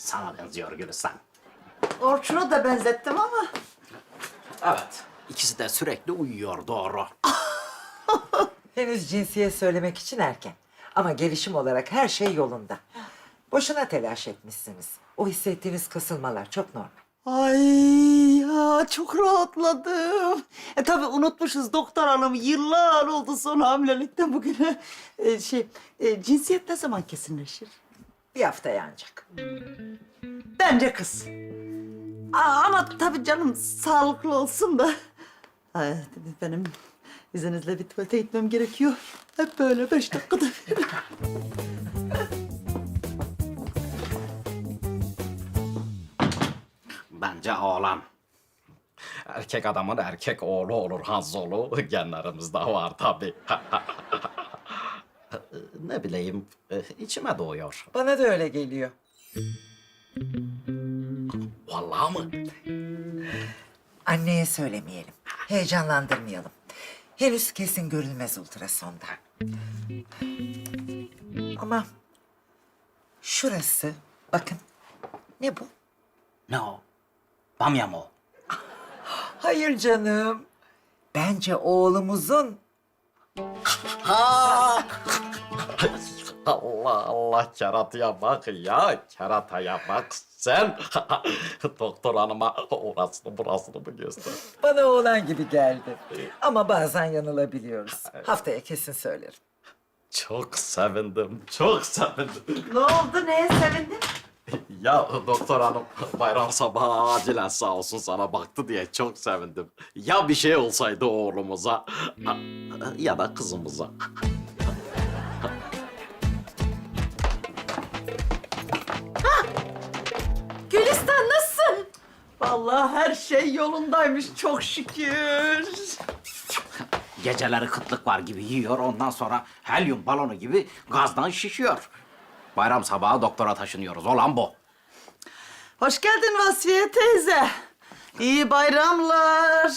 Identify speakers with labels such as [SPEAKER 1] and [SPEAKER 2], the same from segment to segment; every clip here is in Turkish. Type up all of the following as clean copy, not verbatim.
[SPEAKER 1] sana benziyor Gülistan.
[SPEAKER 2] Orçun'u da benzettim ama.
[SPEAKER 1] Evet, ikisi de sürekli uyuyor, doğru.
[SPEAKER 3] Henüz cinsiyet söylemek için erken. Ama gelişim olarak her şey yolunda. Boşuna telaş etmişsiniz. O hissettiğiniz kasılmalar çok normal.
[SPEAKER 2] Ay ya çok rahatladım. Tabii unutmuşuz doktor hanım yıllar oldu son hamilelikten bugüne. Cinsiyet ne zaman kesinleşir?
[SPEAKER 3] Bir haftaya ancak.
[SPEAKER 2] Bence kız. Ama tabii canım sağlıklı olsun da. Ay, benim izninizle bir tuvalete gitmem gerekiyor. Hep böyle 5 dakikada bir.
[SPEAKER 1] Bence oğlan. Erkek adamın erkek oğlu olur Hanzolu. Genlerimizde var tabii. Ne bileyim, içime doğuyor.
[SPEAKER 3] Bana da öyle geliyor.
[SPEAKER 1] Vallahi mı?
[SPEAKER 3] Anneye söylemeyelim. Heyecanlandırmayalım. Henüz kesin görülmez ultrasonda. Ama şurası, bakın. Ne bu?
[SPEAKER 1] Ne o? Bamya mı o?
[SPEAKER 3] Hayır canım. Bence oğlumuzun.
[SPEAKER 1] Allah Allah, kerataya bak ya, kerataya bak sen. Doktor hanıma orasını burasını mı göster?
[SPEAKER 3] Bana oğlan gibi geldi. Ama bazen yanılabiliyoruz. Haftaya kesin söylerim.
[SPEAKER 1] Çok sevindim, çok sevindim.
[SPEAKER 2] Ne oldu neye sevindin?
[SPEAKER 1] Ya doktor hanım bayram sabahı acilen sağ olsun sana baktı diye çok sevindim. Ya bir şey olsaydı oğlumuza ya da kızımıza.
[SPEAKER 2] Gülistan nasılsın? Vallahi her şey yolundaymış çok şükür.
[SPEAKER 1] Geceleri kıtlık var gibi yiyor, ondan sonra helyum balonu gibi gazdan şişiyor. Bayram sabahı doktora taşınıyoruz, olan bu.
[SPEAKER 2] Hoş geldin Vasfiye teyze. İyi bayramlar.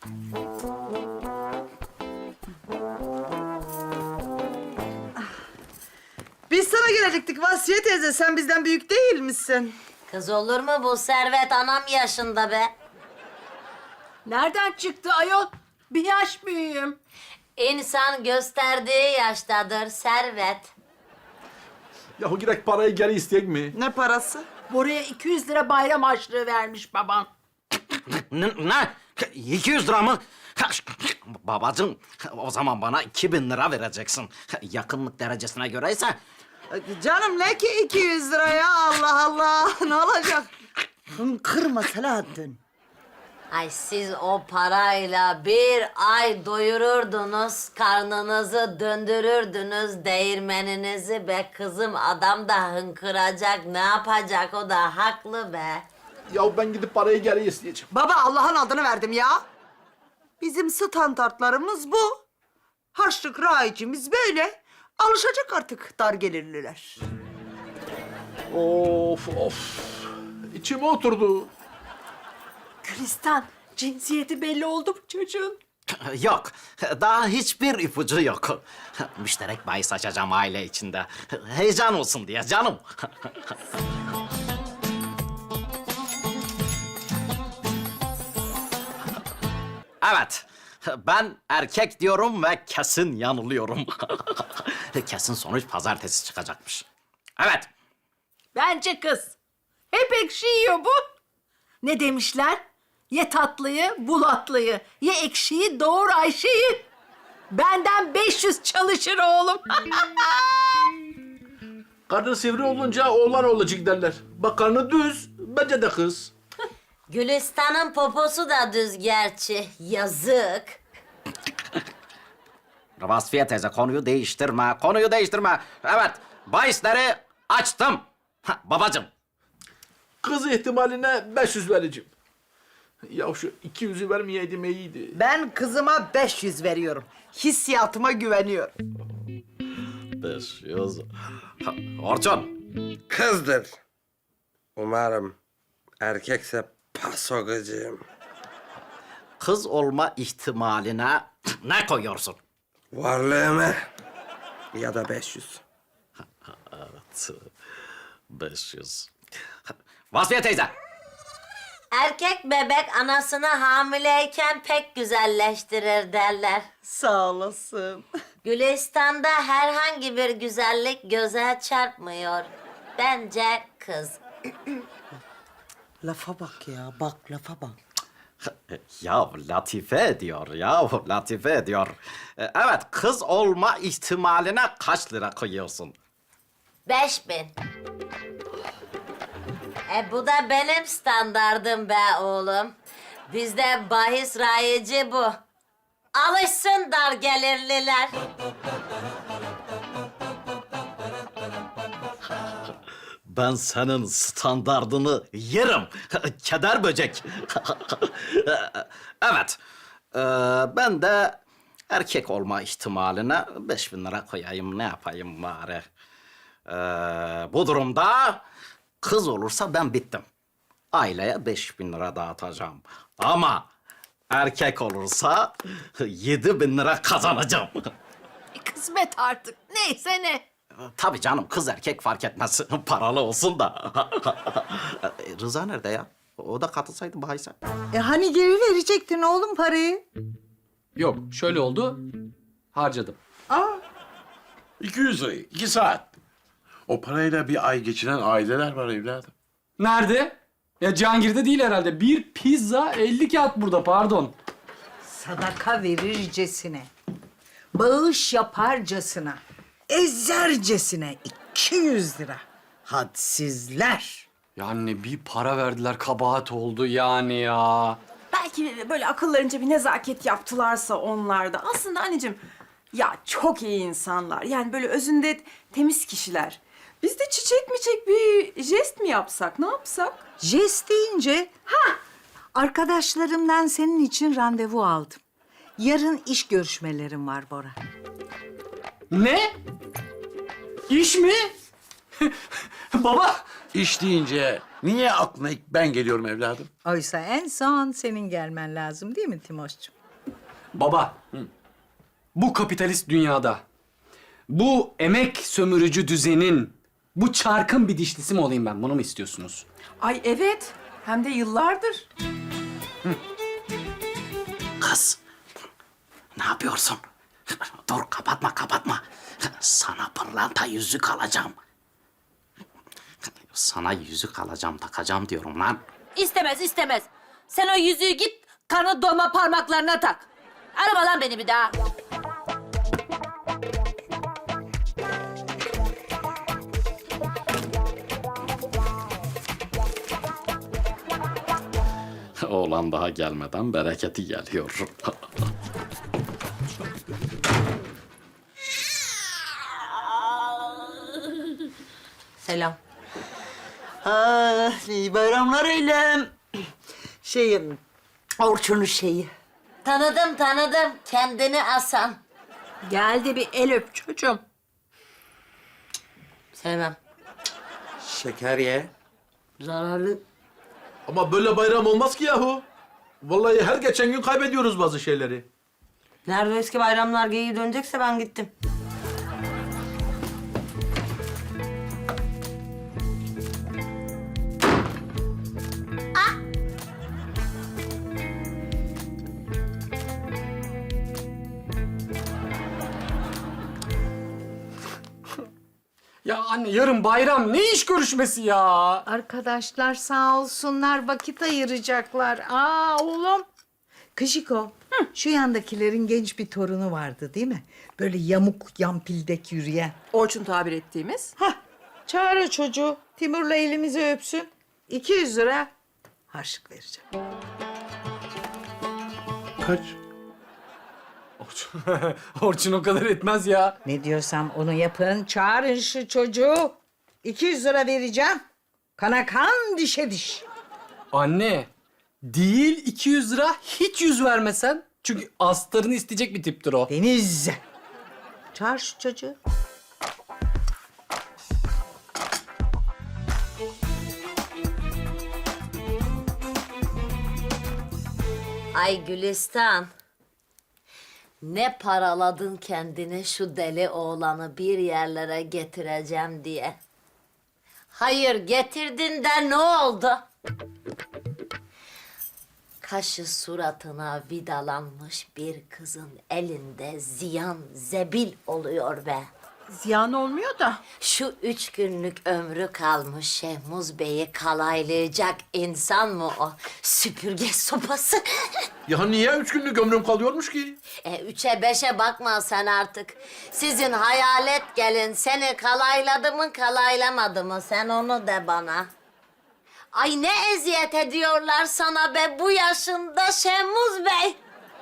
[SPEAKER 2] Biz sana gelecektik Vasfiye teyze. Sen bizden büyük değil misin?
[SPEAKER 4] Kız olur mu bu Servet anam yaşında be?
[SPEAKER 5] Nereden çıktı ayol? Bir yaş büyüğüm.
[SPEAKER 4] İnsan gösterdiği yaştadır Servet.
[SPEAKER 6] Yahu girek parayı geri isteyek mi?
[SPEAKER 2] Ne parası?
[SPEAKER 5] Buraya 200 lira bayram harçlığı vermiş baban.
[SPEAKER 1] Ne? 200 lira mı? Babacığım, o zaman bana 2000 lira vereceksin. Yakınlık derecesine göre ise
[SPEAKER 2] Canım ne ki 200 lira ya Allah Allah. Ne olacak? Kırma Selahattin.
[SPEAKER 4] Ay siz o parayla bir ay doyururdunuz, karnınızı döndürürdünüz, değirmeninizi be kızım. Adam da hınkıracak, ne yapacak, o da haklı be.
[SPEAKER 6] Yahu ben gidip parayı geri isteyeceğim.
[SPEAKER 2] Baba Allah'ın adını verdim ya. Bizim standartlarımız bu. Harçlık rayicimiz böyle. Alışacak artık dar gelirliler.
[SPEAKER 6] Of of. İçime oturdu.
[SPEAKER 5] Gülistan, cinsiyeti belli oldu mu çocuğun?
[SPEAKER 1] yok. Daha hiçbir ipucu yok. Müşterek bahis açacağım aile içinde. Heyecan olsun diye canım. Evet. Ben erkek diyorum ve kesin yanılıyorum. Kesin sonuç pazartesi çıkacakmış. Evet.
[SPEAKER 5] Bence kız. Hep ekşi yiyor bu. Ne demişler? Ye tatlıyı, bul atlıyı. Ye ekşiyi, doğur Ayşe'yi. Benden 500 çalışır oğlum.
[SPEAKER 6] Karnı sivri olunca oğlan olacak derler. Bak karnı düz, bence de kız.
[SPEAKER 4] Gülistan'ın poposu da düz gerçi, yazık.
[SPEAKER 1] Vasfiye teyze, konuyu değiştirme, konuyu değiştirme. Evet, bahisleri açtım. Babacığım.
[SPEAKER 6] Kız ihtimaline 500 vereceğim. Ya şu 200'ü vermeyeydim iyiydi.
[SPEAKER 2] Ben kızıma 500 veriyorum. Hissiyatıma güveniyorum.
[SPEAKER 1] 500. Orçun.
[SPEAKER 7] Kızdır. Umarım erkekse paso gıcığım.
[SPEAKER 1] Kız olma ihtimaline ne koyuyorsun?
[SPEAKER 7] Varlığımı ya da 500.
[SPEAKER 1] Evet, 500. Vasfiye teyze.
[SPEAKER 4] Erkek bebek anasını hamileyken pek güzelleştirir derler.
[SPEAKER 2] Sağ olasın.
[SPEAKER 4] Gülistan'da herhangi bir güzellik göze çarpmıyor. Bence kız.
[SPEAKER 2] Lafa bak ya, bak lafa bak.
[SPEAKER 1] Ya latife ediyor ya, latife ediyor. Evet, kız olma ihtimaline kaç lira koyuyorsun?
[SPEAKER 4] 5000. Bu da benim standardım be oğlum. Bizde bahis rayici bu. Alışsın dar gelirliler.
[SPEAKER 1] Ben senin standardını yerim. Keder böcek. Evet. Ben de erkek olma ihtimaline 5000 lira koyayım. Ne yapayım bari? Bu durumda kız olursa ben bittim. Aileye 5000 lira dağıtacağım. Ama erkek olursa 7000 lira kazanacağım.
[SPEAKER 5] Kısmet artık. Neyse ne.
[SPEAKER 1] Tabii canım, kız erkek fark etmez. Paralı olsun da. Rıza nerede ya? O da katılsaydı bahise.
[SPEAKER 2] Hani geri verecektin oğlum parayı?
[SPEAKER 8] Yok, şöyle oldu. Harcadım.
[SPEAKER 9] 200 lirayı, 2 saat. O parayla bir ay geçiren aileler var evladım.
[SPEAKER 8] Nerede? Ya Cihangir'de değil herhalde. Bir pizza 50 kağıt burada, pardon.
[SPEAKER 5] Sadaka verircesine, bağış yaparcasına, ezercesine 200 lira. Hadsizler.
[SPEAKER 8] Ya anne bir para verdiler, kabahat oldu yani ya.
[SPEAKER 10] Belki böyle akıllarınca bir nezaket yaptılarsa onlar da. Aslında anneciğim ya çok iyi insanlar. Yani böyle özünde temiz kişiler. Biz de çiçek bir jest mi yapsak? Ne yapsak?
[SPEAKER 2] Jest deyince, arkadaşlarımdan senin için randevu aldım. Yarın iş görüşmelerim var Bora.
[SPEAKER 8] Ne? İş mi? Baba!
[SPEAKER 9] İş deyince niye aklına ilk ben geliyorum evladım?
[SPEAKER 2] Oysa en son senin gelmen lazım değil mi Timoş'cum?
[SPEAKER 8] Baba, bu kapitalist dünyada, bu emek sömürücü düzenin, bu çarkın bir dişlisi mi olayım ben? Bunu mu istiyorsunuz?
[SPEAKER 10] Ay evet. Hem de yıllardır.
[SPEAKER 1] Kız, ne yapıyorsun? Dur, kapatma. Sana pırlanta yüzük alacağım. Sana yüzük alacağım, takacağım diyorum lan.
[SPEAKER 4] İstemez. Sen o yüzüğü git kanı doma parmaklarına tak. Arama lan beni bir daha.
[SPEAKER 1] Oğlan daha gelmeden bereketi geliyor.
[SPEAKER 4] Selam.
[SPEAKER 2] İyi bayramlar eylem. Orçun'un şeyi.
[SPEAKER 4] Tanıdım. Kendini asan.
[SPEAKER 5] Gel de bir el öp çocuğum.
[SPEAKER 4] Sevmem.
[SPEAKER 7] Şeker ye.
[SPEAKER 4] Zararlı.
[SPEAKER 6] Ama böyle bayram olmaz ki yahu. Vallahi her geçen gün kaybediyoruz bazı şeyleri.
[SPEAKER 4] Nerede eski bayramlar geyiği dönecekse ben gittim.
[SPEAKER 8] Ya anne yarın bayram, ne iş görüşmesi ya?
[SPEAKER 5] Arkadaşlar sağ olsunlar vakit ayıracaklar. Oğlum.
[SPEAKER 2] Kışiko, şu yandakilerin genç bir torunu vardı değil mi? Böyle yamuk yampildek yürüyen.
[SPEAKER 10] Orçun tabir ettiğimiz.
[SPEAKER 2] Çağır o çocuğu. Timur'la elimizi öpsün. 200 lira harçlık vereceğim.
[SPEAKER 9] Kaç?
[SPEAKER 8] Orçun o kadar etmez ya.
[SPEAKER 2] Ne diyorsam onu yapın. Çağırın şu çocuğu. 200 lira vereceğim. Kana kan, dişe diş.
[SPEAKER 8] Anne, değil 200 lira, hiç yüz vermesen. Çünkü astarını isteyecek bir tiptir o.
[SPEAKER 2] Deniz. Çağır şu çocuğu.
[SPEAKER 4] Ay Gülistan. Ne paraladın kendini şu deli oğlanı bir yerlere getireceğim diye. Hayır, getirdin de ne oldu? Kaşı suratına vidalanmış bir kızın elinde ziyan zebil oluyor be.
[SPEAKER 5] Ziyan olmuyor da.
[SPEAKER 4] Şu 3 günlük ömrü kalmış Şehmuz Bey'i kalaylayacak insan mı o? Süpürge sopası.
[SPEAKER 6] Ya niye 3 günlük ömrüm kalıyormuş ki?
[SPEAKER 4] 3'e 5'e bakma sen artık. Sizin hayalet gelin seni kalayladı mı kalaylamadı mı? Sen onu de bana. Ay ne eziyet ediyorlar sana be bu yaşında Şehmuz Bey.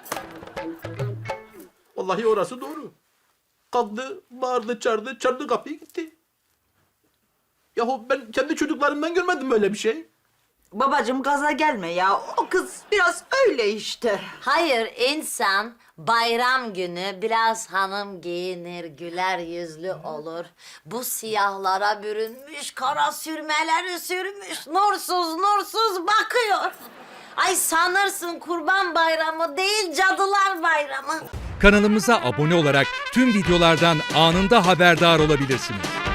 [SPEAKER 6] Vallahi orası doğru. Kalktı, bağırdı, çağırdı kapıyı gitti. Yahu ben kendi çocuklarımdan görmedim böyle bir şey.
[SPEAKER 2] Babacığım gaza gelme ya. O kız biraz öyle işte.
[SPEAKER 4] Hayır insan bayram günü biraz hanım giyinir, güler yüzlü olur. Bu siyahlara bürünmüş, kara sürmeleri sürmüş, nursuz bakıyor. Ay sanırsın Kurban Bayramı değil Cadılar Bayramı.
[SPEAKER 11] Kanalımıza abone olarak tüm videolardan anında haberdar olabilirsiniz.